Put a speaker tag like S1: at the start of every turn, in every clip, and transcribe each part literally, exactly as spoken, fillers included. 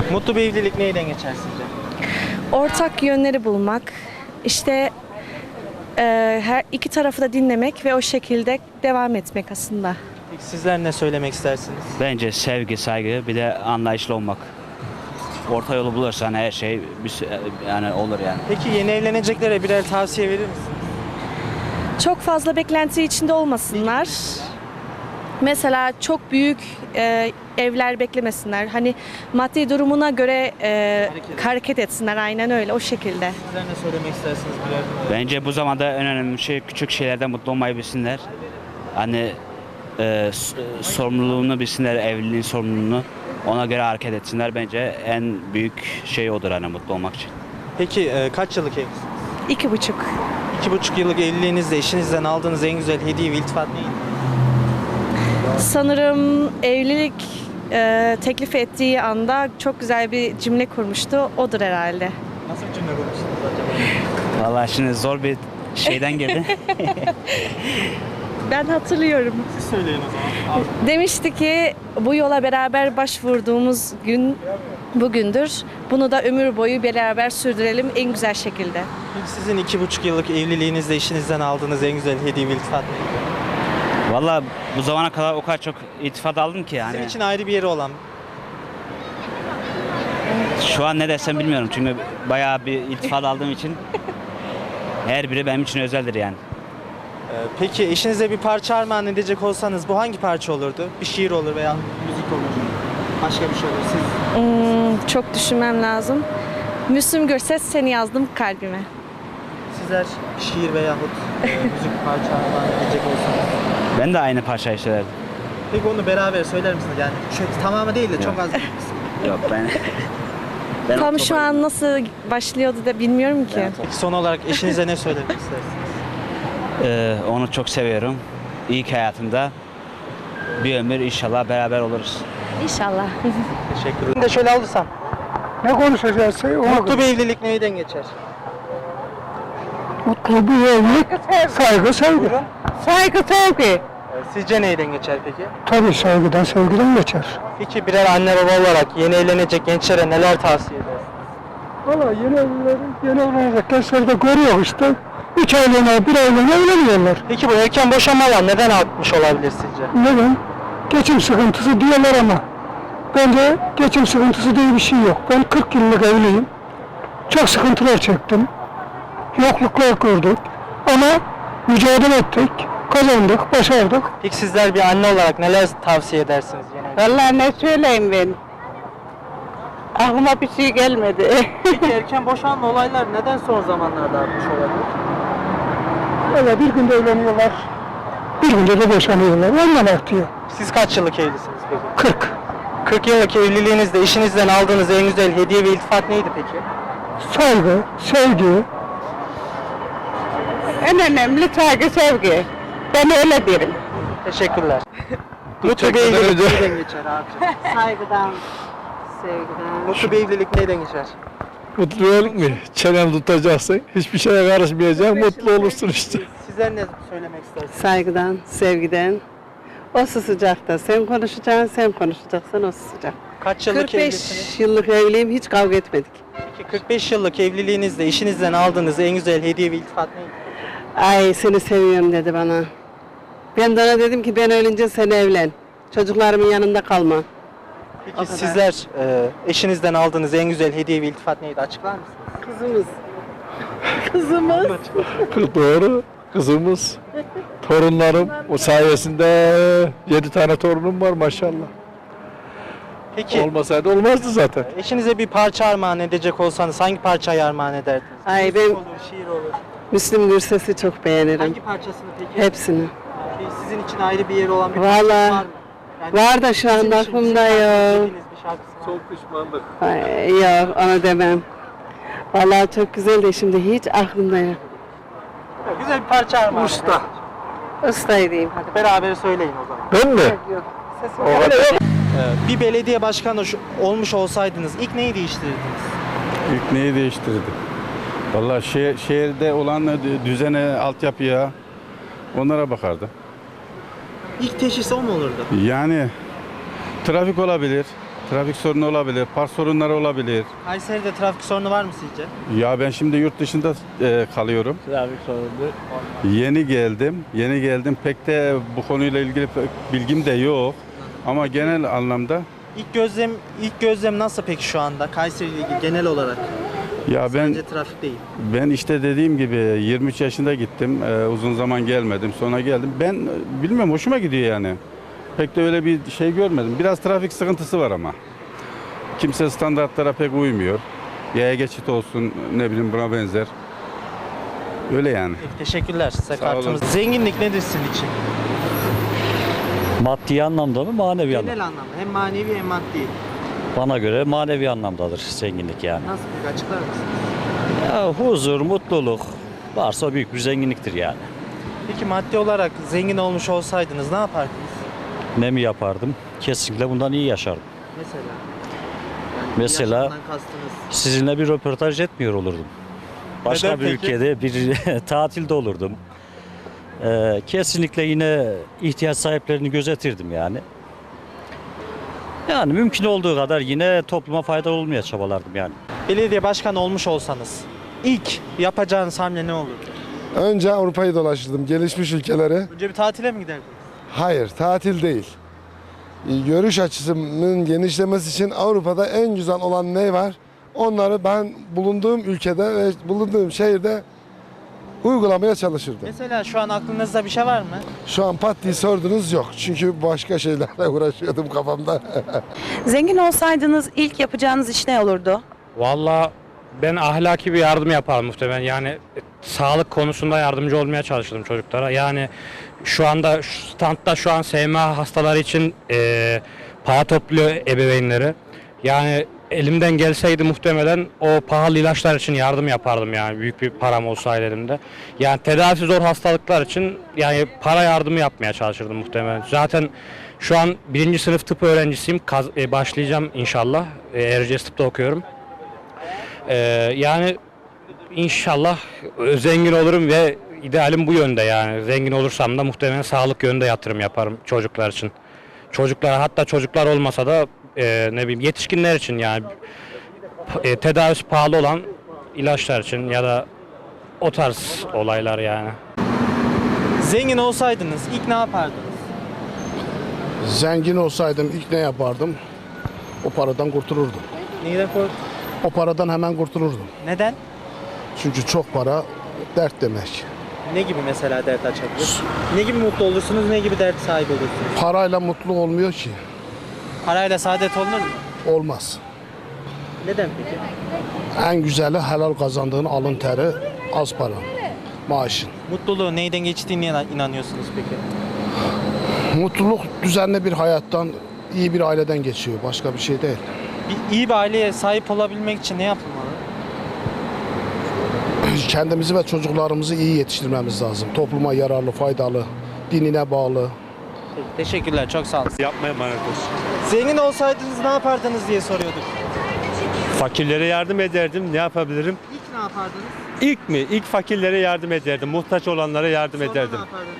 S1: Mutlu bir evlilik neyden geçer sizce?
S2: Ortak yönleri bulmak, işte e, her iki tarafı da dinlemek ve o şekilde devam etmek aslında.
S1: Peki sizler ne söylemek istersiniz?
S3: Bence sevgi, saygı, bir de anlayışlı olmak. Orta yolu bulursan her şey bir- yani olur yani.
S1: Peki yeni evleneceklere birer tavsiye verir misiniz?
S2: Çok fazla beklenti içinde olmasınlar. Mesela çok büyük e, evler beklemesinler. Hani maddi durumuna göre e,
S1: Hareket.
S2: hareket etsinler, aynen öyle, o şekilde.
S1: Sizler ne söylemek istersiniz birer numara?
S3: Bence bu zamanda en önemli şey küçük şeylerden mutlu olmayı bilsinler. Hani e, s- sorumluluğunu bilsinler, evliliğin sorumluluğunu. Ona göre hareket etsinler. Bence en büyük şey odur hani mutlu olmak için.
S1: Peki e, kaç yıllık evlisiniz?
S2: İki buçuk.
S1: İki buçuk yıllık evliliğinizde eşinizden aldığınız en güzel hediye ve iltifat neydi?
S2: Sanırım evlilik e, teklif ettiği anda çok güzel bir cümle kurmuştu. Odur herhalde.
S1: Nasıl bir cümle kurmuştunuz acaba?
S3: Vallahi şimdi zor bir şeyden girdi.
S2: Ben hatırlıyorum.
S1: Siz söyleyin o zaman. Al.
S2: Demişti ki bu yola beraber başvurduğumuz gün bugündür. Bunu da ömür boyu beraber sürdürelim en güzel şekilde.
S1: Peki sizin iki buçuk yıllık evliliğinizde eşinizden aldığınız en güzel hediye ve iltifat neydi?
S3: Vallahi bu zamana kadar o kadar çok iltifat aldım ki yani.
S1: Sizin için ayrı bir yeri olan.
S3: Şu an ne desem bilmiyorum çünkü bayağı bir iltifat aldığım için her biri benim için özeldir yani.
S1: Ee, Peki eşinize bir parça armağan edecek olsanız bu hangi parça olurdu? Bir şiir olur veya müzik olur. Başka bir şey olur. Siz
S2: Hmm, çok düşünmem lazım. Müslüm Gürses, seni yazdım kalbime.
S1: sizler şiir veyahut e, müzik parça armağan edecek olsanız.
S3: Ben de aynı parçayı söylerdim.
S1: Peki onu beraber söyler misiniz? Yani şu tamamı değil de çok az bir kısmı.
S3: Yok ben... ben
S2: Tam
S3: o
S2: şu
S3: topa-
S2: an nasıl başlıyordu da bilmiyorum ki.
S1: Peki son olarak eşinize ne söylemek istersiniz?
S3: Ee, onu çok seviyorum. İlk hayatımda bir ömür inşallah beraber oluruz.
S2: İnşallah.
S1: Teşekkür ederim. De şöyle alırsam.
S4: Ne konuşacağız? Ona
S1: Mutlu
S4: göre.
S1: bir evlilik neyden geçer?
S4: Mutlu bir evlilik, saygı, sevgi.
S1: Saygı, sevgi. Ee, Sizce neyden geçer peki?
S4: Tabii saygıdan, sevgiden geçer.
S1: Peki birer anne baba olarak yeni evlenecek gençlere neler tavsiye edersiniz?
S4: Valla yeni evlileri, yeni evlenecek gençlerde görüyor işte. Üç aylığına, bir aylığına evleniyorlar.
S1: Peki bu erken boşanmalar neden artmış olabilir sizce?
S4: Neden? Geçim sıkıntısı diyorlar ama bence geçim sıkıntısı diye bir şey yok. Ben kırk yıllık evliyim. Çok sıkıntılar çektim. Yokluklar gördük. Ama mücadele ettik, kazandık, başardık.
S1: Peki sizler bir anne olarak neler tavsiye edersiniz yeni evlenecek?
S5: Vallahi ne söyleyeyim ben? Aklıma bir şey gelmedi.
S1: Peki erken boşanma olaylar neden son zamanlarda artmış olabilir?
S4: Öyle bir günde evleniyorlar, bir günde de boşanıyorlar. Ondan artıyor.
S1: Siz kaç yıllık evlisiniz peki?
S4: kırk.
S1: kırk yıllık evliliğinizde eşinizden aldığınız en güzel hediye ve iltifat neydi peki?
S4: Saygı, sevgi,
S5: En önemli saygı, sevgi. Ben öyle derim.
S1: Teşekkürler. Mutlu bir evlilik neyden geçer abi?
S5: Saygıdan, sevgiden.
S1: Mutlu bir evlilik neyden geçer?
S6: Mutluluk mu? Çenen tutacaksın, hiçbir şeye karışmayacaksın, mutlu olursun işte.
S1: Sizler ne söylemek istersiniz?
S5: Saygıdan, sevgiden. O susacak da sen konuşacaksın, sen konuşacaksın, o susacak.
S1: Kaç yıllık
S5: kırk
S1: evlisiniz?
S5: beş yıllık evliyim, hiç kavga etmedik.
S1: Peki kırk beş yıllık evliliğinizde eşinizden aldığınız en güzel hediye ve iltifat neydi?
S5: Ay seni seviyorum dedi bana. Ben de ona dedim ki ben ölünce sen evlen. Çocuklarımın yanında kalma.
S1: Peki
S5: O kadar.
S1: sizler e, eşinizden aldığınız en güzel hediye ve iltifat neydi? Açıklar mısınız?
S5: Kızımız. Kızımız.
S6: Doğru, kızımız, torunlarım, o sayesinde yedi tane torunum var maşallah.
S1: Peki
S6: Olmasaydı olmazdı zaten.
S1: eşinize bir parça armağan edecek olsanız hangi parçayı armağan ederdiniz?
S5: Ay,
S1: Müzik
S5: ben-
S1: olur, şiir olur.
S5: Müslüm Gürses'i çok beğenirim.
S1: Hangi parçasını peki?
S5: Hepsini.
S1: Peki sizin için ayrı bir yeri olan bir
S5: Vallahi
S1: parçası var mı? Yani
S5: var da şu
S1: sizin
S5: anda
S1: için
S5: aklımda
S1: sizin
S5: yok.
S1: sevdiğiniz bir şarkısı var mı?
S5: Ay, yok onu demem. Vallahi çok güzel de şimdi hiç aklımda yok.
S1: Ya, güzel bir parça armağan
S6: Usta.
S5: Ustayı diyeyim hadi.
S1: Beraber söyleyin o zaman.
S6: Ben mi?
S5: Yok. Sesim
S6: O kadar.
S1: Ee, bir belediye başkanı şu- olmuş olsaydınız ilk neyi değiştirirdiniz?
S7: İlk neyi değiştirdi? Vallahi şehir, şehirde olan düzene, altyapıya onlara bakardı.
S1: İlk teşhis o mu olurdu?
S7: Yani trafik olabilir, Trafik sorunu olabilir, park sorunları olabilir.
S1: Kayseri'de trafik sorunu var mı sizce?
S7: Ya ben şimdi yurt dışında e, kalıyorum.
S6: Trafik sorunu.
S7: Yeni geldim. Yeni geldim. Pek de bu konuyla ilgili pek bilgim de yok. Ama genel anlamda
S1: İlk gözlem ilk gözlem nasıl peki şu anda Kayseri ile ilgili genel olarak?
S7: ya ben
S1: Bence trafik değil.
S7: ben işte dediğim gibi yirmi üç yaşında gittim. E, uzun zaman gelmedim. Sonra geldim. Ben e, bilmiyorum, hoşuma gidiyor yani. Pek de öyle bir şey görmedim. Biraz trafik sıkıntısı var ama. Kimse standartlara pek uymuyor. Yaya geçit olsun, ne bileyim, buna benzer. Öyle yani.
S1: Peki, teşekkürler. Size
S7: Sağ olun.
S1: kartımız. Zenginlik nedir sizin için?
S8: Maddi anlamda mı manevi anlamda?
S1: Genel anlamda hem manevi hem maddi.
S8: Bana göre manevi anlamdadır zenginlik yani.
S1: Nasıl peki, açıklar mısınız?
S8: Ya huzur, mutluluk varsa büyük bir zenginliktir yani.
S1: Peki maddi olarak zengin olmuş olsaydınız ne yapardınız?
S8: Ne mi yapardım? Kesinlikle bundan iyi yaşardım.
S1: Mesela? Yani
S8: Mesela-
S1: yaşamdan kastınız.
S8: Sizinle bir röportaj etmiyor olurdum. Başka
S1: Neden
S8: bir
S1: peki?
S8: ülkede bir tatilde olurdum. Ee, kesinlikle yine ihtiyaç sahiplerini gözetirdim yani. Yani mümkün olduğu kadar yine topluma faydalı olmaya çabalardım yani.
S1: Belediye başkanı olmuş olsanız ilk yapacağınız hamle ne olurdu?
S9: Önce Avrupa'yı dolaşırdım, gelişmiş ülkeleri.
S1: Önce bir tatile mi giderdiniz?
S9: Hayır, tatil değil. Görüş açısının genişlemesi için Avrupa'da en güzel olan ne var? Onları ben bulunduğum ülkede ve bulunduğum şehirde uygulamaya çalışırdım.
S1: Mesela şu an aklınızda bir şey var mı?
S9: Şu an pat diye sordunuz, yok. Çünkü başka şeylerle uğraşıyordum kafamda.
S10: Zengin olsaydınız ilk yapacağınız iş ne olurdu?
S11: Valla ben ahlaki bir yardım yaparım muhtemelen. Yani e, sağlık konusunda yardımcı olmaya çalışırdım çocuklara. Yani şu anda şu standta şu an S M A hastaları için e, para topluyor ebeveynleri. Yani elimden gelseydi muhtemelen o pahalı ilaçlar için yardım yapardım yani, büyük bir param olsaydı elimde. Yani tedavisi zor hastalıklar için yani para yardımı yapmaya çalışırdım muhtemelen. Zaten şu an birinci sınıf tıp öğrencisiyim. Kaz, e, başlayacağım inşallah. E, Erciyes tıpta okuyorum. E, yani inşallah e, zengin olurum ve idealim bu yönde yani. Zengin olursam da muhtemelen sağlık yönünde yatırım yaparım çocuklar için. Çocuklara, hatta çocuklar olmasa da e, ne bileyim yetişkinler için yani e, tedavisi pahalı olan ilaçlar için ya da o tarz olaylar yani.
S1: Zengin olsaydınız ilk ne yapardınız?
S9: Zengin olsaydım ilk ne yapardım? O paradan kurtulurdum.
S1: Neyden kork?
S9: O paradan hemen kurtulurdum.
S1: Neden?
S9: Çünkü çok para dert demek.
S1: Ne gibi mesela dert açabilir? Ne gibi mutlu olursunuz, ne gibi dert sahibi olursunuz?
S9: Parayla mutlu olmuyor ki.
S1: Parayla saadet olunur mu?
S9: Olmaz.
S1: Neden peki?
S9: En güzeli helal kazandığın alın teri, az para, maaşın.
S1: Mutluluğu neyden geçtiğine inan- inanıyorsunuz peki?
S9: Mutluluk düzenli bir hayattan, iyi bir aileden geçiyor. Başka bir şey değil.
S1: Bir, iyi bir aileye sahip olabilmek için ne yapılmalı?
S9: Kendimizi ve çocuklarımızı iyi yetiştirmemiz lazım. Topluma yararlı, faydalı, dinine bağlı.
S1: Peki, teşekkürler, çok sağ olun.
S6: Yapmaya emanet olsun.
S1: Zengin olsaydınız ne yapardınız diye soruyorduk.
S6: Fakirlere yardım ederdim. Ne yapabilirim?
S1: İlk ne yapardınız?
S6: İlk mi? İlk fakirlere yardım ederdim. Muhtaç olanlara yardım
S1: Sonra
S6: ederdim.
S1: ne yapardınız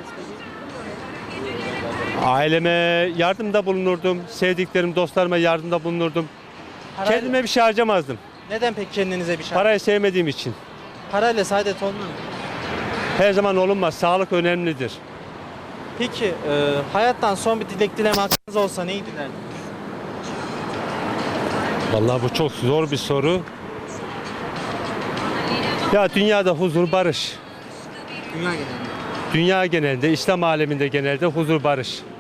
S1: peki?
S6: Aileme yardımda bulunurdum. Sevdiklerim, dostlarıma yardımda bulunurdum.
S1: Parayla-
S6: Kendime bir şey harcamazdım.
S1: Neden peki kendinize bir şey?
S6: Parayı sevmediğim için.
S1: Parayla saadet olunur mu?
S6: Her zaman olunmaz. Sağlık önemlidir.
S1: Peki e, hayattan son bir dilek dileme hakkınız olsa neyi dilerdiniz?
S6: Vallahi bu çok zor bir soru. Ya dünyada huzur, barış.
S1: Dünya genelinde.
S6: Dünya genelinde, İslam aleminde genelde huzur, barış.